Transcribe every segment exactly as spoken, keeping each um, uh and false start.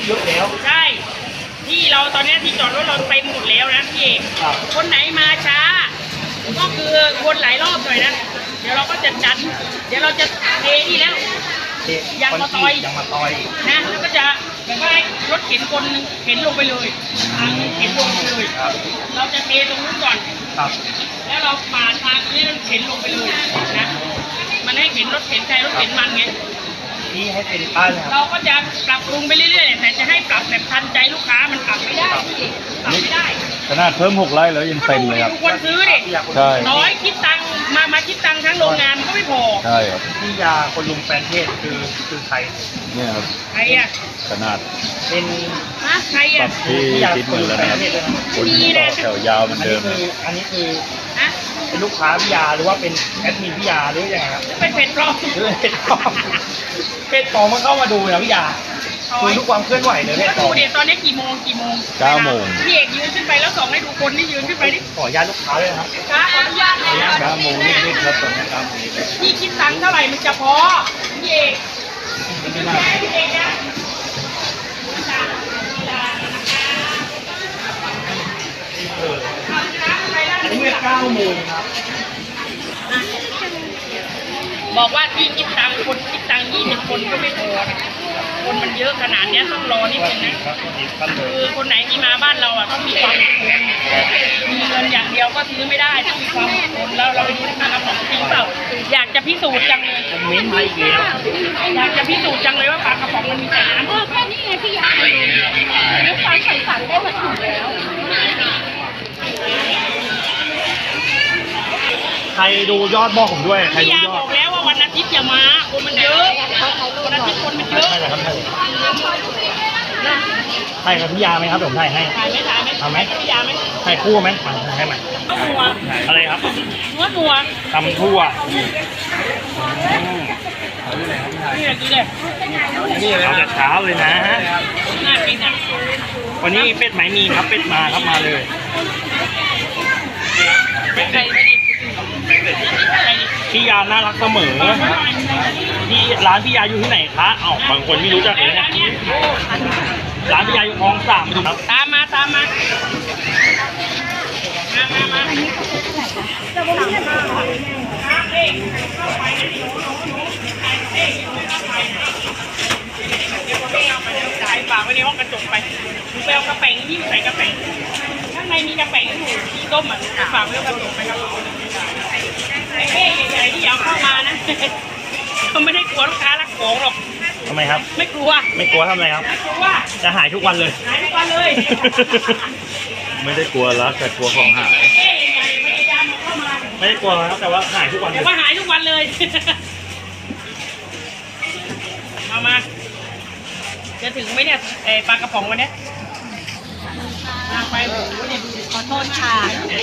เยอะแล้วใช่ที่เราตอนนี้ที่จอดรถเราเต็มหมดแล้วนะพี่เอกคนไหนมาช้าก็คือวนหลายรอบหน่อยนะเดี๋ยวเราก็จะจัดเดี๋ยวเราจะเทนี่แล้วยางมาตอยยางมาตอยนะแล้วก็จะแบบว่ารถเข็นคนเข็นลงไปเลยทางเข็นลงไปเลยเราจะเทตรงนู้นก่อนแล้วเราปาดทางนี้เข็นลงไปเลยนะมันให้เข็นรถเข็นใครรถเข็นมันไงนี่ให้เป็นป้ายเราก็จะปรับปรุงไปเรื่อยๆแต่จะให้ปรับแบบทันใจลูกค้ามันปรับไม่ได้ปรับไม่ได้ขนาดเพิ่มหกไร่แล้วยังเต็มเลยครับทุกคนซื้อดิใช่น้อยคิดตังมามาคิดตังทั้งโรงงานมันก็ไม่พอใช่ครับพี่ยาคนลุงแฟนเทศคือคือใครเนี่ยครับใครอ่ะขนาดเป็นฮะใครอ่ะที่คิดเหมือนแล้วนะครับคนต่อแถวยาวเหมือนเดิมอันนี้คือเป็นลูกค้าพี่ยาหรือว่าเป็นแอดมินพี่ยาหรือยังไงครับเป็นเพจปลอมหรือเพจปลอมเพจปลอมมันเข้ามาดูนะพี่ยาดูทุกความเคลื่อนไหวเลยเพจปลอมดูเดี๋ยวตอนนี้กี่โมงกี่โมงเก้าโมงพี่เอกยืนขึ้นไปแล้วส่องให้ดูคนที่ยืนขึ้นไปดิขออนุญาตลูกค้าเลยครับขออนุญาตเลยเก้าโมงนิดๆครับตอนนี้เก้าโมงพี่คิดตังค์เท่าไหร่มันจะพอพี่เอกพี่เอกนะอันนี้เก้าโมงครับบอกว่าที่คิดตังค์คนคิดตังค์ยี่สิบคนก็ไม่พอนะคนมันเยอะขนาดนี้ต้องรอนิดนึงนะคือคนไหนที่มาบ้านเราอ่ะต้องมีความอดทนมีเงินอย่างเดียวก็ซื้อไม่ได้ต้องมีความอดทนแล้วเราไปดูที่การกระป๋องจริงเปล่าอยากจะพิสูจน์จังเลยเม้นมาอีกแล้วอยากจะพิสูจน์จังเลยว่าปลากระป๋องมันมีแต่น้ำเออแค่นี้ไงพี่อยากดูลูกค้าใส่สั่งได้มาถึงแล้วใครดูยอดบอกผมด้วยใครดูยอดบอกแล้วว่าวันอาทิตย์อย่ามาคนมันเยอะวันอาทิตย์คนมันเยอะใช่ครับใช่ครับพี่ยาไหมครับผมถ่ายให้ถ่ายไหมถ่ายไหมทำไหมพี่ยาไหมถ่ายคู่ไหมถ่ายให้ไหมนัวอะไรครับนัวนัวตำทั่วนี่เลยนี่เลยนี่เลยเอาแต่เช้าเลยนะน่ากินอ่ะวันนี้เป็ดไหมมีครับเป็ดมาครับมาเลยใครไม่ดีพี่ยาน่ารักเสมอที่ร้านพี่ยาอยู่ที่ไหนคะอ้าวบางคนไม่รู้จักเลยเนี่ยร้านพี่ยาอยู่คลองสามครับตามมาตามมามามามาจ่ายฝากไว้ในห้องกระจกไปดูไปเอากระแป๋งที่ใส่กระแป๋งข้างในมีกระแป๋งอยู่ที่ต้มอ่ะฝากไว้กระจกไปครับไอ้เอ๊ใหญ่ๆที่อยากเข้ามานะเขาไม่ได้กลัวลูกค้ารักของหรอกทำไมครับไม่กลัวไม่กลัวทำอะไรครับไม่กลัวจะหายทุกวันเลยหายทุกวันเลยไม่ได้กลัวรักแต่กลัวของหายไม่ได้กลัวครับแต่ว่าหายทุกวันแต่ว่าหายทุกวันเลยเอามาจะถึงไหมเนี่ยไอปลากระป๋องวันนี้มาไปขอโทษค่ะ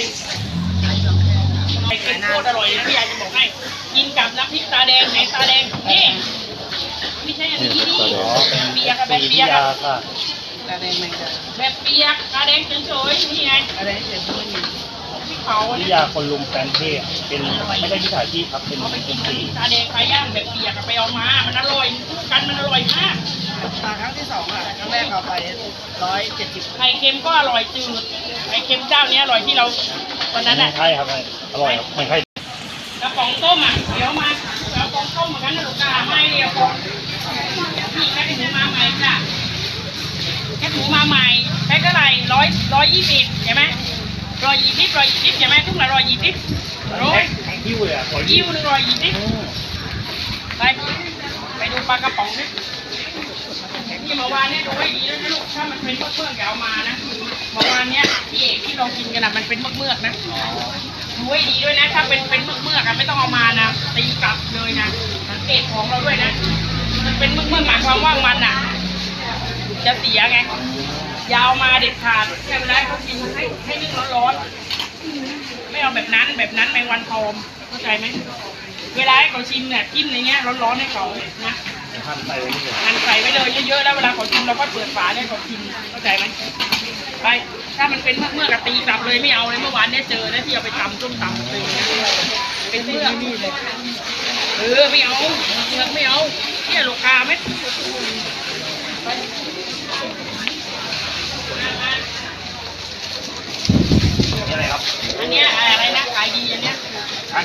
ไอเค็มโคตรอร่อยนะพี่ยายจะบอกให้กินกับน้ำพริกตาแดงไหนตาแดงนี่ไม่ใช่อันนี้นี่แบบเปียกแบบเปียกตาแดงมันแบบเปียกตาแดงเฉยๆนี่ไงตาแดงเฉยๆนี่พี่เขาพี่ยาคนลุมแฟนเทศเป็นไม่ได้ที่ถ่ายที่ครับเป็นเป็นกินตาแดงไก่ย่างแบบเปียกไปเอามามันอร่อยคู่กันมันอร่อยมากครั้งที่สองอ่ะครั้งแรกเอาไปร้อยเจ็ดสิบไข่เค็มก็อร่อยจืดไข่เค็มเจ้านี้อร่อยที่เราตอนนั้นอ่ะใช่ครับอร่อยครับไม่ใช่กระป๋องต้มอ่ะเดี๋ยวมาเดี๋ยวกระป๋องต้มเหมือนกันนะลูกค้าไม่เดียวก่อนนี่แค่หมูมาใหม่ค่ะแค่หมูมาใหม่แพ็คเท่าไหร่ร้อยร้อยยี่สิบใช่ไหมร้อยยี่สิบร้อยยี่สิบใช่ไหมทุกละร้อยยี่สิบร้อยยิ้วเลยอ่ะยิ้วหนึ่งร้อยยี่สิบไปไปดูปลากระป๋องนี่ที่เมื่อวานเนี่ยดูให้ดีด้วยนะลูกถ้ามันเป็นเมือกๆอย่าเอามานะเมื่อวานเนี้ยพี่เอกที่เรากินกันนะมันเป็นเมือกๆนะดูให้ดีด้วยนะถ้าเป็นเป็นเมือกๆอ่ะไม่ต้องเอามานะตีกลับเลยนะสังเกตของเราด้วยนะมันเป็นเมือกๆหมายความว่ามันอ่ะจะเสียไงยาวมาเด็ดขาดแค่เวลาเขากินให้ให้นึ่งร้อนๆไม่เอาแบบนั้นแบบนั้นแมงวันทอมเข้าใจไหมเวลาให้เขาชิมเนี่ยจิ้มในเงี้ยร้อนๆให้เขานะหั่นใส่ไว้เลยหั่นใส่ไว้เลยเยอะๆแล้วเวลาเขาชิมเราก็เปิดฝาให้เขาชิมเข้าใจไหมไปถ้ามันเป็นเมื่อกะตีกลับเลยไม่เอาเลยเมื่อวานเนี่ยเจอนะที่เอาไปตำส้มตำเลยเป็นเมื่อนี่เลยเออไม่เอาเมื่อไม่เอาเนี่ยลูกค้าไหม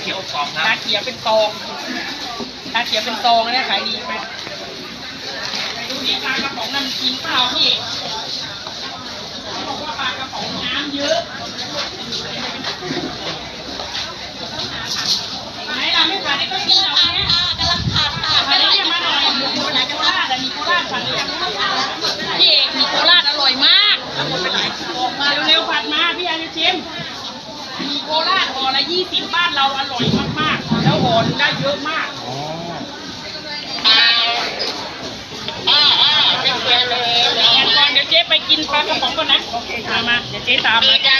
ขียวกรอบนะชาเขียวเป็นซองชาเขียวเป็นซองเนี่ยขายดีไปไปดูที่ปลากระป๋องน้ำจริงเปล่าพี่เขาบอกว่าปลากระป๋องน้ำเยอะไหนล่ะไม่ขายได้ก็กินเอาเนี่ยกำลังขาดค่ะขายได้ยังมาหน่อยมีโคราชแต่มีโคราชสั่งหรือยังพี่เอกมีโคราชอร่อยมากมาเร็วๆผัดมาพี่อาจะชิมมีโคราชห่อละยี่สิบบ้านเราอร่อยมากๆแล้วห่อหนึ่งได้เยอะมากอ๋องั้นก่อนเดี๋ยวเจ๊ไปกินปลากระป๋องก่อนนะโอเคมามาเดี๋ยวเจ๊ตามมาจ้า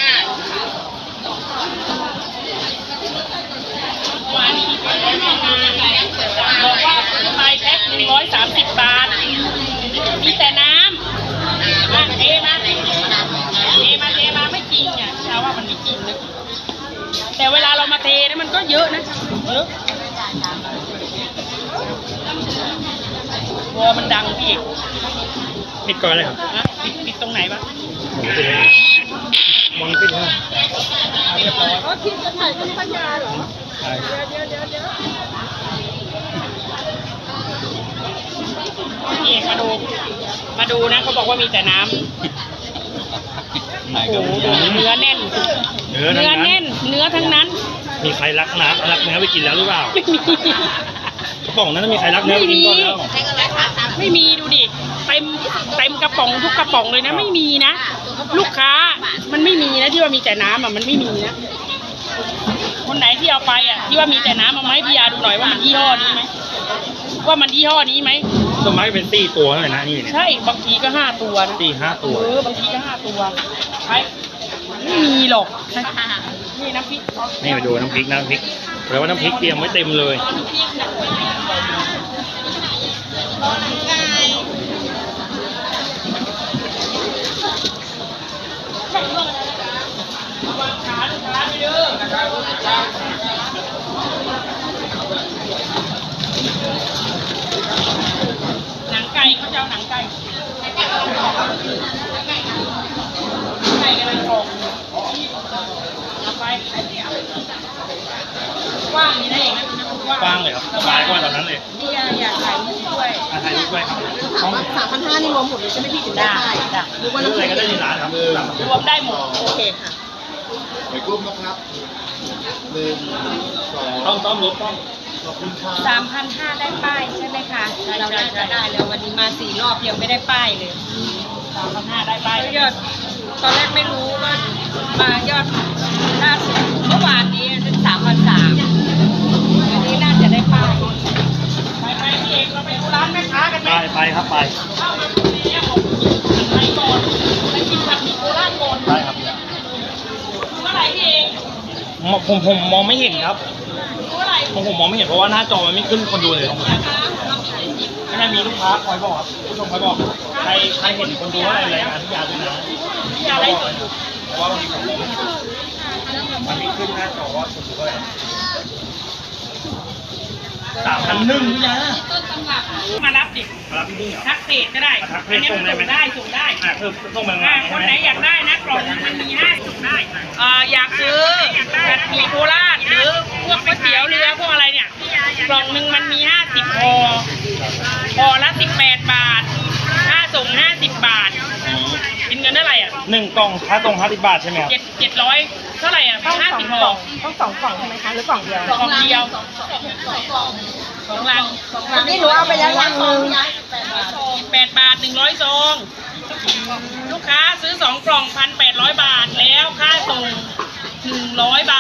วันนี้เจ๊มาบอกว่าซื้อไปแพ็คหนึ่งร้อยสามสิบบาทมีแต่น้ำมาเทมาเทมาเทมาไม่จริงอ่ะชาว่ามันไม่จริงนะแต่เวลาเรามาเทนะมันก็เยอะนะเยอะวอมันดังพี่เอกปิดก่อนเลยครับนะปิดปิดตรงไหนบ้างมองปิดเลยเรียบร้อยก็คิดจะถ่ายเป็นปัญญาเหรอใช่เดี๋ยวเดี๋ยวเดี๋ยวพี่เอกมาดู มาดูนะเขาบอกว่ามีแต่น้ำไหนโอ้ก็โหมีอย่างเนื้อแน่นเนื้อเนื้อทั้งแน่น เนื้อทั้งนั้นมีใครรักน้ำรักเนื้อไปกินแล้วหรือเปล่าไม่มีกระป๋องนั้นมีใครรักเนื้อไปกินก่อนแล้วไม่มีดูดิ เต็มเต็มกระป๋องทุกกระป๋องเลยนะ ไม่มีนะ ลูกค้ามันไม่มีนะที่ว่ามีแต่น้ำอ่ะมันไม่มีนะ คนไหนที่เอาไปอ่ะที่ว่ามีแต่น้ำมาไหมาให้พี่ยาดูหน่อยว่ามันยี่ห้อนี้ไหมว่ามันยี่ห้อนี้ไหมต้นไม้เป็นสี่ตัวเลยนะนี่เนี่ยใช่บางทีก็ห้าตัวนะสี่ห้าตัวเออบางทีก็ห้าตัวใช่ไม่มีหรอกนี่น้ำพริกนี่มาดูน้ำพริกน้ำพริกแปลว่าน้ำพริกเตรียมไว้เต็มเลยวางขาลูกค้าไปเด้อหนังไก่เขาจะเอาหนังไก่ไก่กำลังทองเอาไปกว้างนี่นะเองนะกว้างกว้างเลยครับสบายกว่าตอนนั้นเลยนี่อยากถ่ายรูปด้วยอาถ่ายรูปด้วยครับถามว่าสามพันห้านี่รวมหมดเลยใช่ไหมพี่ถึงได้ได้ได้หรือว่าซื้อน้ำอะไรแข็งก็ได้ในร้านครับรวมได้หมดโอเคค่ะไปกลุ่มนะครับหนึ่งสองต้องต้องลดต้องขอบคุณครับสามพันห้าได้ป้ายใช่ไหมคะเราน่าจะได้แล้ววันนี้มาสี่รอบยังไม่ได้ป้ายเลยสามพันห้าได้ไปยอดตอนแรกไม่รู้ว่ามายอดล่าสุดเมื่อวานนี้เป็นสามพันสามวันนี้น่าจะได้ป้ายไปไปพี่เอกเราไปดูร้านแม่ค้ากันไหมไปไปครับไปเข้ามาตรงนี้ของกินไปก่อนไปกินผัดหมี่โคราชก่อนได้ครับเมื่อไหร่พี่เอกผมผมผมมองไม่เห็นครับเมื่อไหร่ผมผมมองไม่เห็นเพราะว่าหน้าจอมันไม่ขึ้นคนดูเลยไม่ได้มีลูกค้าคอยบอกครับผู้ชมคอยบอก ใครใครเห็นคนดูว่าอะไรรายงานที่ยาด้วยนะพี่ยาได้ส่งอยู่เพราะว่าบางทีผมมันไม่ขึ้นหน้าจอว่าคนดูว่าอะไรสามพันหนึ่งพี่ยาต้นตำรับมารับดิมารับพี่นี่เหรอทักเพจก็ได้ทักเพจอันนี้ส่งได้ไหมได้ส่งได้อ่าคือต้องมาอ่าคนไหนอยากได้นะกล่องหนึ่งมันมีห้าสิบได้อ่าอยากซื้อผัดหมี่โคราชหรือพวกก๋วยเตี๋ยวเรือพวกอะไรเนี่ยกล่องหนึ่งมันมีห้าสิบห่อห่อละสิบแปดบาทค่าส่งห้าสิบบาทกินเงินเท่าไหร่อ่ะหนึ่งกล่องค่าตรงห้าสิบบาทใช่ไหมครับเจ็ดเจ็ดร้อยเท่าไหร่อ่ะห้าสิบห่อต้องสองกล่องใช่ไหมคะหรือกล่องเดียวกล่องเดียวสองลังวันนี้หนูเอาไปแล้วลังนึงแปดบาทหนึ่งร้อยซองลูกค้าซื้อสองกล่องพันแปดร้อยบาทแล้วค่าส่งหนึ่งร้อยบ